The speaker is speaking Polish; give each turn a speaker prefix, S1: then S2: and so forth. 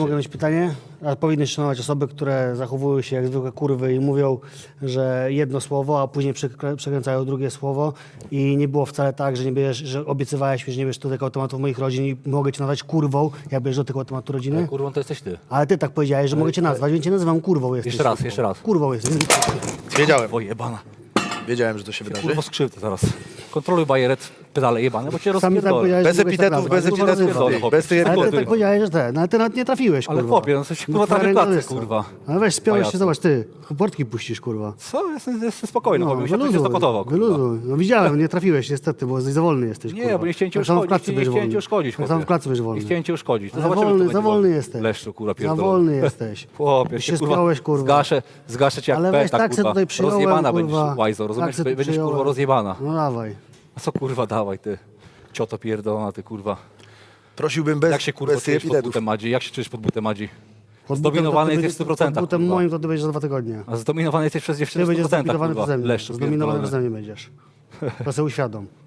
S1: Mogę mieć pytanie? A powinny szanować osoby, które zachowują się jak zwykłe kurwy i mówią, że jedno słowo, a później przekręcają drugie słowo i nie było wcale tak, że nie bierzesz, że obiecywałeś mi, że nie bierzesz do tego automatu moich rodzin i mogę cię nazwać kurwą, jak bierzesz do tego automatu rodziny.
S2: Kurwą to jesteś ty.
S1: Ale ty tak powiedziałeś, że mogę cię nazwać, więc cię nazywam kurwą jesteś.
S2: Jeszcze raz.
S1: Kurwą jesteś.
S3: Wiedziałem,
S2: O jebana.
S3: wiedziałem, że to się wydarzy.
S2: Kurwo skrzywdę zaraz. Kontroluj bajeret, pedale jebane, bo cię
S1: Sami tak
S2: rozpierdolę.
S1: powiedziałeś,
S3: Bez
S1: że mogłeś tak
S3: epitetów,
S1: nazwać.
S3: bez
S1: Kurwa,
S3: epitetów,
S1: rozrywam.
S2: rozrywam.
S3: bez tej
S1: Ale ty
S2: Kurwa.
S1: tak powiedziałeś, że ten, ale ty nawet nie trafiłeś,
S2: Ale
S1: kurwa.
S2: chłopie, no coś kurwa
S1: No,
S2: prawie
S1: twoja
S2: klatce,
S1: ręka
S2: kurwa.
S1: Ale weź, spiąłeś się,
S2: Pajacu.
S1: zobacz, ty, portki puścisz, kurwa.
S2: Co? Jestem spokojny, chłopie, mi się to zakotował, kurwa.
S1: wyluzuj. No widziałem, nie trafiłeś niestety, bo za wolny jesteś,
S2: Nie,
S1: kurwa.
S2: bo nie chciałem cię
S1: Tak samo w
S2: uszkodzić,
S1: klatce
S2: nie
S1: będziesz
S2: chciałem cię
S1: wolny.
S2: uszkodzić,
S1: Tak samo w
S2: chłopie.
S1: klatce będziesz wolny.
S2: Nie chciałem cię uszkodzić. To
S1: Za
S2: zobaczymy,
S1: wolny,
S2: kto
S1: za
S2: będzie
S1: wolny jesteś.
S2: Leszczu, kurwa,
S1: Za
S2: pierdolony.
S1: wolny jesteś.
S2: Chłopie,
S1: Ty
S2: się
S1: się spiąłeś, kurwa.
S2: Zgaszę cię jak
S1: Ale weź
S2: peta,
S1: tak se
S2: kurwa.
S1: tutaj przyjąłem,
S2: Rozjebana
S1: kurwa.
S2: będziesz, łajzo, rozumiesz?
S1: Tak se tu
S2: Będziesz, kurwa,
S1: przyjąłem.
S2: rozjebana.
S1: No dawaj.
S2: A co, kurwa, dawaj, ty. Cioto pierdolona, ty, kurwa.
S3: Prosiłbym bez,
S2: Jak się, kurwa,
S3: bez
S2: czujesz pod
S3: epidetów.
S2: butem Madzi? Jak się czujesz pod butem Madzi?
S1: Pod
S2: Zdominowany
S1: butem to
S2: jesteś w
S1: będzie-
S2: 100%,
S1: Pod butem
S2: kurwa.
S1: moim to ty będziesz za 2 tygodnie.
S2: A zdominowany jesteś przez
S1: Ty
S2: dziewczynę w
S1: będziesz
S2: 100%,
S1: zdominowany
S2: kurwa.
S1: przeze mnie.
S2: Leszczu
S1: Zdominowany
S2: pierdolony.
S1: przeze mnie będziesz. To sobie uświadom.